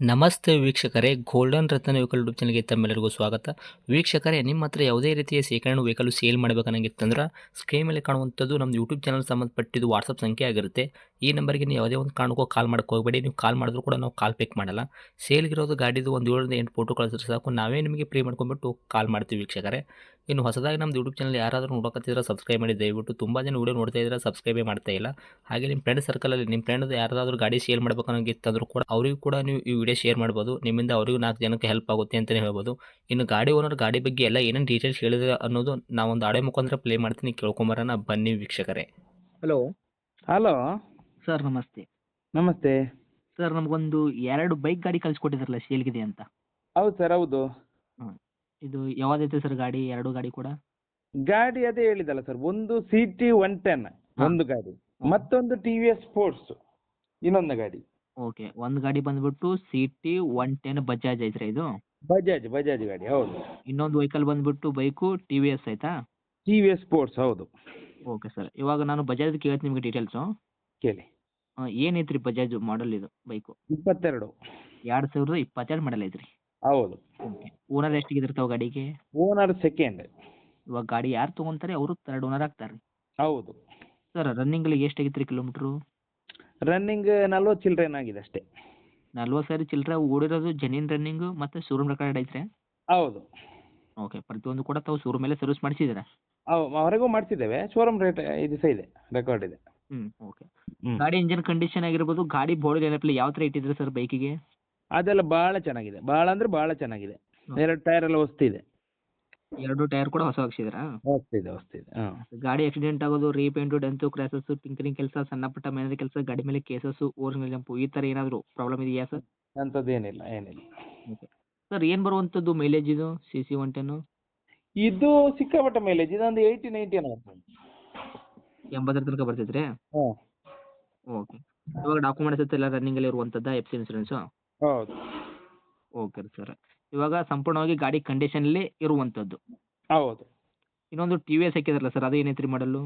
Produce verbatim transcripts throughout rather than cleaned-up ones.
ನಮಸ್ತೆ ವೀಕ್ಷಕರೇ, ಗೋಲ್ಡನ್ ರತ್ನ vehicle YouTube ಚಾನಲ್ಗೆ ತಮ್ಮೆಲ್ಲರಿಗೂ ಸ್ವಾಗತ. ವೀಕ್ಷಕರೇ, ನಿಮ್ಮ ಹತ್ರ ಯಾವುದೇ ರೀತಿಯ ಶೇಖರಣೆ ವೆಹಿಕಲ್ ಸೇಲ್ ಮಾಡಬೇಕನ್ನಂಗಿತ್ತಂದ್ರೆ ಸ್ಕ್ರೀನ್ ಮೇಲೆ ಕಾಣುವಂಥದ್ದು ನಮ್ಮ ಯೂಟ್ಯೂಬ್ ಚಾನಲ್ ಸಂಬಂಧಪಟ್ಟಿದ್ದು ವಾಟ್ಸಪ್ ಸಂಖ್ಯೆ ಆಗಿರುತ್ತೆ. ಈ ನಂಬರ್ಗೆ ನೀವು ಯಾವುದೇ ಒಂದು ಕಾರಣಕ್ಕೂ ಕಾಲ್ ಮಾಡಕ್ಕೆ ಹೋಗಬೇಡಿ. ನೀವು ಕಾಲ್ ಮಾಡಿದ್ರು ಕೂಡ ನಾವು ಕಾಲ್ ಪಿಕ್ ಮಾಡಲ್ಲ. ಸೇಲ್ಗಿರೋದು ಗಾಡಿದು ಒಂದು ಏಳರಿಂದ ಎಂಟು ಫೋಟೋ ಕಳಿಸಿದ್ರೆ ಸಾಕು, ನಾವೇ ನಿಮಗೆ ಪ್ರೀ ಮಾಡ್ಕೊಂಡ್ಬಿಟ್ಟು ಕಾಲ್ ಮಾಡ್ತೀವಿ ವೀಕ್ಷಕರೇ. ಇನ್ನು ಹೊಸದಾಗಿ ನಮ್ಮದು ಯೂಟ್ಯೂಬ್ ಚಾನಲ್ ಯಾರಾದರೂ ನೋಡೋಕತ್ತಿದ್ರೆ ಸಬ್ಸ್ಕ್ರೈಬ್ ಮಾಡಿ ದಯವಿಟ್ಟು. ತುಂಬ ಜನ ವೀಡಿಯೋ ನೋಡ್ತಾ ಇದ್ದಾರೆ, ಸಬ್ಸ್ಕ್ರೈಬೇ ಮಾಡ್ತಾ ಇಲ್ಲ. ಹಾಗೆ ನಿಮ್ಮ ಫ್ರೆಂಡ್ ಸರ್ಕಲಲ್ಲಿ ನಿಮ್ಮ ಫ್ರೆಂಡ್ ಯಾರಾದರೂ ಗಾಡಿ ಸೇಲ್ ಮಾಡಬೇಕನ್ನೋಂಗಿತ್ತಂದ್ರೂ ಕೂಡ ಅವರಿಗೂ ಕೂಡ ನೀವು ಈ ವಿಡಿಯೋ ಶೇರ್ ಮಾಡ್ಬೋದು. ನಿಮ್ಮಿಂದ ಅವರಿಗೂ ನಾಲ್ಕು ಜನಕ್ಕೆ ಹೆಲ್ಪ್ ಆಗುತ್ತೆ ಅಂತಲೇ ಹೇಳ್ಬೋದು. ಇನ್ನು ಗಾಡಿ ಓನರ್ ಗಾಡಿ ಬಗ್ಗೆ ಎಲ್ಲ ಏನೇನು ಡೀಟೇಲ್ಸ್ ಹೇಳಿದ್ರೆ ಅನ್ನೋದು ನಾವೊಂದು ಆಡೆ ಮುಖಾಂತರ ಪ್ಲೇ ಮಾಡ್ತೀನಿ, ಕೇಳ್ಕೊಂಬರೋಣ ಬನ್ನಿ ವೀಕ್ಷಕರೇ. ಹಲೋ ಹಲೋ ಸರ್, ನಮಸ್ತೆ. ನಮಸ್ತೆ. ಸರ್, ನಮಗೊಂದು ಎರಡು ಬೈಕ್ ಗಾಡಿ ಕಳಿಸ್ಕೊಟ್ಟಿದ್ರಲ್ಲ ಸೇಲ್ಗಿದೆ ಅಂತ. ಹೌದು ಸರ್, ಹೌದು. ಹಾಂ, ಇದು ಯಾವ್ದೈತೆ ಸರ್ ಗಾಡಿ? ಎರಡು ಗಾಡಿ ಕೂಡ ಗಾಡಿ ಅದೇ ಹೇಳಿದಲ್ಲ ಸರ್, ಒಂದು ಸಿ ಟಿ ಒನ್ ಟೆನ್ ಒಂದು ಗಾಡಿ, ಮತ್ತೊಂದು ಟಿ ವಿ ಎಸ್ ಸ್ಪೋರ್ಟ್ಸ್ ಇನ್ನೊಂದು ಗಾಡಿ. ಓಕೆ, ಒಂದು ಗಾಡಿ ಬಂದ್ಬಿಟ್ಟು C T one ten Bajaj ಐತ್ರಿ ಇದು. ಬಜಾಜ್ ಬಜಾಜ್ ಗಾಡಿ, ಹೌದು. ಇನ್ನೊಂದು ವೆಹಿಕಲ್ ಬಂದ್ಬಿಟ್ಟು ಬೈಕು ಟಿ ವಿ ಎಸ್ ಆಯ್ತಾ? ಟಿ ವಿ ಎಸ್ ಸ್ಪೋರ್ಟ್ಸ್, ಹೌದು. ಓಕೆ ಸರ್, ಇವಾಗ ನಾನು ಬಜಾಜ್ ಕೇಳ್ತೀನಿ ನಿಮಗೆ ಡೀಟೇಲ್ಸು. ಕೇಳಿ. ಏನೈತ್ರಿ ಬಜಾಜ್ ಮಾಡಲ್ ಇದು ಬೈಕು? ಇಪ್ಪತ್ತೆರಡು. ಎರಡು ಸಾವಿರದ ಇಪ್ಪತ್ತೆರಡು ಮಾಡಲ್ ಐತ್ರಿ. ಹೌದು. ಓಕೆ, ಓನರ್ ಎಷ್ಟಿಗಿರ್ತಾವೆ ಗಾಡಿಗೆ? Owner second. ಇವಾಗ ಗಾಡಿ ಯಾರು ತೊಗೊಂತಾರೆ ಅವರು ತರ್ಡ್ ಓನರ್ ಆಗ್ತಾರೆ. ಹೌದು. ಸರ್, ರನ್ನಿಂಗ್ಲಿ ಎಷ್ಟಾಗಿತ್ತು ರೀ ಕಿಲೋಮೀಟ್ರು? ರನ್ನಿಂಗ್ ನಲ್ವತ್ತು ಚಿಲ್ಡ್ರನ್ ಆಗಿದೆ ಅಷ್ಟೇ. ನಲ್ವತ್ತು ಸಾವಿರ ಚಿಲ್ಲರೆ ಓಡಿರೋದು ಜೆನ್ಯೂನ್ ರನ್ನಿಂಗು ಮತ್ತು ಶೋರೂಮ್ ರೆಕಾರ್ಡ್ ಐತ್ರಿ? ಹೌದು. ಓಕೆ, ಪ್ರತಿಯೊಂದು ಕೂಡ ತಾವು ಶೋರೂಮ್ ಮೇಲೆ ಸರ್ವಿಸ್ ಮಾಡಿಸಿದ್ದೀರಾ? ಹೌದು, ಹೊರಗೂ ಮಾಡಿಸಿದ್ದೇವೆ. ಶೋರೂಮ್ ರೇಟ್ ಇದು ಸಹ ಇದೆ, ರೆಕಾರ್ಡ್ ಇದೆ. ಹ್ಞೂ ಓಕೆ. ಹ್ಮ್. ಗಾಡಿ ಇಂಜಿನ್ ಕಂಡೀಷನ್ ಆಗಿರ್ಬೋದು, ಗಾಡಿ ಬಾಡಿ ನೆನಪಲ್ಲಿ ಯಾವ ಥರ ಇಟ್ಟಿದ್ರೆ ಸರ್ ಬೈಕಿಗೆ? ಅದೆಲ್ಲ ಭಾಳ ಚೆನ್ನಾಗಿದೆ, ಭಾಳ ಅಂದ್ರೆ ಭಾಳ ಚೆನ್ನಾಗಿದೆ. ಎರಡು ಟೈರ್ ಎಲ್ಲ ಹೊಸ್ತಿದೆ. ಎರಡು ಟೈರ್ ಕೂಡ ಹೊಸ ಹಾಕ್ಸಿದ್ದೀರಾ? ಹೊಸ್ತಿದೆ ಹೊಸ್ತಿದೆ ಹಾಂ. ಗಾಡಿ ಆಕ್ಸಿಡೆಂಟ್ ಆಗೋದು, ರೀಪೇಂಟು, ಡೆಂತು, ಕ್ರ್ಯಾಸಸ್ಸು, ಟಿಂಕರಿಂಗ್ ಕೆಲಸ, ಸಣ್ಣ ಪುಟ್ಟ ಮೇನರಿ ಕೆಲಸ, ಗಾಡಿ ಮೇಲೆ ಕೇಸಸ್ಸು, ಓರಿಜಿನಲ್ ಜಂಪು ಈ ಥರ ಏನಾದರೂ ಪ್ರಾಬ್ಲಮ್ ಇದೆಯಾ ಸರ್? ಅಂಥದ್ದು ಏನಿಲ್ಲ, ಏನಿಲ್ಲ. ಓಕೆ ಸರ್, ಏನು ಬರುವಂಥದ್ದು ಮೈಲೇಜ್ ಇದು ಸಿ ಸಿ ಒನ್ ಟೆನ್ನು? ಇದು ಸಿಕ್ಕಾಪಟ್ಟೆ ಮೈಲೇಜ್, ಇದೊಂದು ಏಯ್ಟಿ ನೈಂಟಿ ಏನೋ ಬರ್ತದೆ. ಎಂಬತ್ತರ ತನಕ ಬರ್ತೈತೆ ರೀ? ಹಾಂ. ಓಕೆ. ಇವಾಗ ಡಾಕ್ಯುಮೆಂಟ್ಸ್ ಎಲ್ಲ ರನ್ನಿಂಗಲ್ಲಿ ಇರುವಂಥದ್ದಾ, ಎಫ್ ಸಿ ಇನ್ಸೂರೆನ್ಸು? ಹೌದು. Okay sir. ಇವಾಗ ಸಂಪೂರ್ಣವಾಗಿ ಗಾಡಿ ಕಂಡೀಷನಲ್ಲಿ ಇರುವಂಥದ್ದು. ಹೌದು. ಇನ್ನೊಂದು ಟಿ ವಿ ಎಸ್ ಹಾಕಿದ್ರಲ್ಲ ಸರ್, ಅದು ಏನೈತೆ ರೀ ಮಾಡಲು?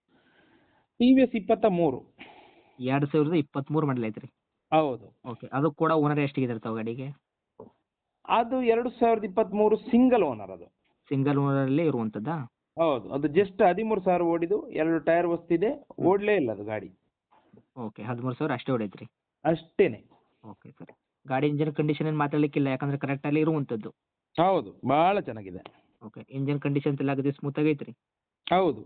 ಟಿ ವಿ ಎಸ್ ಇಪ್ಪತ್ತ ಮೂರು. ಎರಡು ಸಾವಿರದ ಇಪ್ಪತ್ತ್ಮೂರು ಮಾಡಲ್ ಐತೆ ರೀ? ಹೌದು. ಓಕೆ, ಅದು ಕೂಡ ಓನರ್ ಎಷ್ಟಿಗಿದ್ದಾರೆ ತಾವು ಗಾಡಿಗೆ? ಅದು ಎರಡು ಸಾವಿರದ ಇಪ್ಪತ್ತ್ಮೂರು ಸಿಂಗಲ್ ಓನರ್ ಅದು. ಸಿಂಗಲ್ ಓನರಲ್ಲೇ ಇರುವಂಥದ್ದಾ? ಹೌದು. ಅದು ಜಸ್ಟ್ ಹದಿಮೂರು ಸಾವಿರ ಓಡಿದು, ಎರಡು ಟೈರ್ ಹೊಸ್ತಿದೆ, ಓಡಲೇ ಇಲ್ಲ ಅದು ಗಾಡಿ. ಓಕೆ, ಹದಿಮೂರು ಸಾವಿರ ಅಷ್ಟೇ ಹೊಡೈತೆ ರೀ? ಅಷ್ಟೇನೆ. Okay sir. ಗಾಡಿ ಇಂಜಿನ್ ಕಂಡೀಷನ್ ಏನು ಮಾತಾಡಲಿಕ್ಕಿಲ್ಲ, ಯಾಕಂದರೆ ಕರೆಕ್ಟಲ್ಲಿ ಇರುವಂಥದ್ದು. ಹೌದು, ಭಾಳ ಚೆನ್ನಾಗಿದೆ. ಓಕೆ, ಇಂಜಿನ್ ಕಂಡೀಷನ್ ಎಲ್ಲ ಆಗಿದೆ, ಸ್ಮೂತ್ ಆಗೈತೆ ರೀ? ಹೌದು.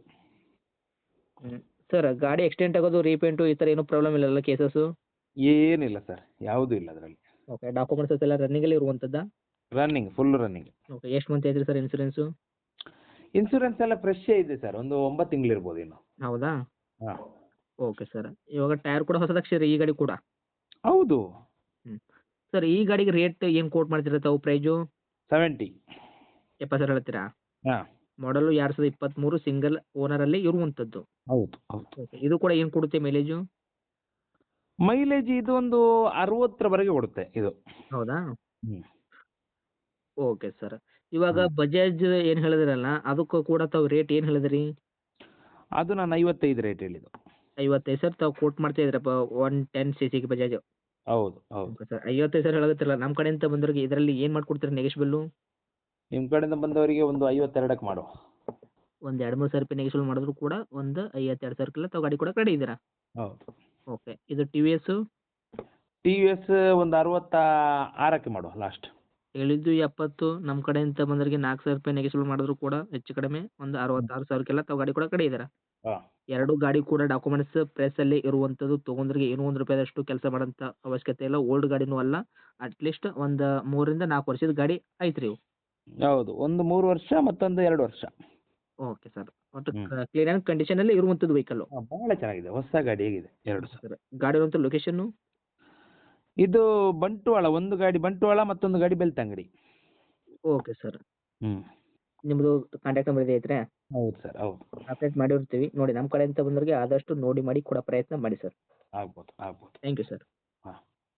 ಹ್ಞೂ ಸರ್, ಗಾಡಿ ಎಕ್ಸ್ಟೆಂಟ್ ಆಗೋದು, ರೀಪೇಂಟು ಈ ಥರ ಏನೂ ಪ್ರಾಬ್ಲಮ್ ಇಲ್ಲಲ್ಲ, ಕೇಸಸ್ಸು? ಏನಿಲ್ಲ ಸರ್, ಯಾವುದೂ ಇಲ್ಲ ಅದರಲ್ಲಿ. ಓಕೆ, ಡಾಕ್ಯುಮೆಂಟ್ಸ್ ಎಲ್ಲ ರನ್ನಿಂಗಲ್ಲಿ ಇರುವಂಥದ್ದಾ? Running, full running. ಓಕೆ, ಎಷ್ಟು ಮಂತ್ ಐತ್ರಿ ಸರ್ ಇನ್ಸೂರೆನ್ಸು? ಇನ್ಸೂರೆನ್ಸ್ ಎಲ್ಲ ಫ್ರೆಶ್ಶೇ ಇದೆ ಸರ್, ಒಂದು ಒಂಬತ್ತು ತಿಂಗಳು ಇರ್ಬೋದು ಇನ್ನು. ಹೌದಾ? ಹಾಂ. Okay sir. ಇವಾಗ ಟೈರ್ ಕೂಡ ಹೊಸದು ಹಾಕ್ಸಿರಿ ಈ ಗಾಡಿ ಕೂಡ? ಹೌದು. ಹ್ಞೂ ಸರ್, ಈ ಗಾಡಿಗೆ ರೇಟ್ ಏನು ಕೋಟ್ ಮಾಡ್ತೀರಾ ತಾವು ಪ್ರೈಜು? ಸೆವೆಂಟಿ. ಎಪ್ಪತ್ತು ಸಾವಿರ ಹೇಳ್ತೀರಾ? ಹಾಂ. ಮಾಡಲು ಎರಡು ಸಾವಿರದ ಇಪ್ಪತ್ತ್ಮೂರು ಸಿಂಗಲ್ ಓನರಲ್ಲಿ ಇರುವಂಥದ್ದು. ಹೌದು ಹೌದು. ಓಕೆ, ಇದು ಕೂಡ ಏನು ಕೊಡುತ್ತೆ ಮೈಲೇಜು? ಮೈಲೇಜ್ ಇದು ಒಂದು ಅರವತ್ತರವರೆಗೆ ಕೊಡುತ್ತೆ ಇದು. ಹೌದಾ? ಹ್ಞೂ. Okay sir. ಇವಾಗ ಹ್ಮ್. ಬಜಾಜ್ ಏನು ಹೇಳಿದ್ರಲ್ಲ, ಅದಕ್ಕೂ ಕೂಡ ತಾವು ರೇಟ್ ಏನು ಹೇಳಿದ್ರಿ? ಅದು ನಾನು ಐವತ್ತೈದು ರೇಟ್ ಹೇಳಿದ್ದು. ಐವತ್ತೈದು ಸಾವಿರ ತಾವು ಕೋಟ್ ಮಾಡ್ತಾ ಇದ್ದೀರಪ್ಪ ಒನ್ ಟೆನ್ ಸಿ ಸಿಗೆ ಬಜಾಜು? ಹೌದು ಹೌದು. ಓಕೆ ಸರ್, ಐವತ್ತೈದು ಸಾವಿರ ಹೇಳಕತ್ತಿರಲ್ಲ, ನಮ್ಮ ಕಡೆಯಿಂದ ಬಂದವ್ರಿಗೆ ಇದರಲ್ಲಿ ಏನು ಮಾಡ್ಕೊಡ್ತೀರಾ ನೆಗೆಶ್ಬಲ್ಲು? ನಿಮ್ಮ ಕಡೆಯಿಂದ ಬಂದವರಿಗೆ ಒಂದು ಐವತ್ತೆರಡಕ್ಕೆ ಮಾಡುವ. ಒಂದು ಎರಡು ಮೂರು ಸಾವಿರ ರೂಪಾಯಿ ನೆಗೆಶ್ಬಲ್ ಮಾಡಿದ್ರು ಕೂಡ ಒಂದು ಐವತ್ತೆರಡು ಸಾವಿರಕ್ಕೆಲ್ಲ ತಾವು ಗಾಡಿ ಕೂಡ ರೆಡಿ ಇದ್ದೀರಾ? ಹೌದು. ಓಕೆ, ಇದು T V S? T V S ಒಂದು ಅರವತ್ತ ಆರಕ್ಕೆ ಮಾಡುವ ಲಾಸ್ಟ್. ಹೇಳಿದ್ದು ಎಪ್ಪತ್ತು, ನಮ್ಮ ಕಡೆಯಿಂದ ಬಂದವರಿಗೆ ನಾಲ್ಕು ಸಾವಿರ ರೂಪಾಯಿ ನೆಗೆಶ್ಬಲ್ ಮಾಡಿದ್ರು ಕೂಡ ಹೆಚ್ಚು ಕಡಿಮೆ ಒಂದು ಅರವತ್ತಾರು ಸಾವಿರಕ್ಕೆಲ್ಲ ತಾವು ಗಾಡಿ ಕೂಡ ರೆಡಿ ಇದ್ದೀರಾ? ಹಾಂ. ಎರಡು ಗಾಡಿ ಕೂಡ ಡಾಕ್ಯುಮೆಂಟ್ಸ್ ಪ್ರೆಸ್ಸಲ್ಲಿ ಇರುವಂಥದ್ದು, ತೊಗೊಂಡ್ರಿಗೆ ಏನೂ ಒಂದು ರೂಪಾಯಿದಷ್ಟು ಕೆಲಸ ಮಾಡೋಂಥ ಅವಶ್ಯಕತೆ ಇಲ್ಲ, ಓಲ್ಡ್ ಗಾಡಿನೂ ಅಲ್ಲ, ಅಟ್ಲೀಸ್ಟ್ ಒಂದು ಮೂರರಿಂದ ನಾಲ್ಕು ವರ್ಷದ ಗಾಡಿ ಐತೆ ರೀ ಇವು? ಹೌದು, ಒಂದು ಮೂರು ವರ್ಷ ಮತ್ತೊಂದು ಎರಡು ವರ್ಷ. ಓಕೆ ಸರ್, ಒಟ್ಟು ಹ್ಮ್. ಕ್ಲೀನ್ ಆ್ಯಂಡ್ ಕಂಡೀಷನಲ್ಲಿ ಇರುವಂಥದ್ದು ವೆಹಿಕಲ್ಲು? ಹಾಂ, ಭಾಳ ಚೆನ್ನಾಗಿದೆ, ಹೊಸ ಗಾಡಿ ಹೇಗಿದೆ ಎರಡು ಸಹ. ಸರ್, ಗಾಡಿ ಇರುವಂಥ ಲೊಕೇಶನ್ನು? ಇದು ಬಂಟ್ವಾಳ, ಒಂದು ಗಾಡಿ ಬಂಟ್ವಾಳ, ಮತ್ತೊಂದು ಗಾಡಿ ಬೆಳ್ತಂಗಡಿ. Okay sir. ಹ್ಞೂ. ನಿಮ್ಮದು ಕಾಂಟ್ಯಾಕ್ಟ್ ನಂಬರ್ ಇದೆ ಐತ್ರಾ? ಹೌದು ಸರ್, ಹೌದು. ಅಪ್ಡೇಟ್ ಮಾಡಿರ್ತೀವಿ ನೋಡಿ, ನಮ್ಮ ಕಡೆಯಿಂದ ಬಂದವರಿಗೆ ಆದಷ್ಟು ನೋಡಿ ಮಾಡಿ ಕೊಡೋ ಪ್ರಯತ್ನ ಮಾಡಿ ಸರ್. ಆಗ್ಬೋದು ಆಗ್ಬೋದು. Thank you sir.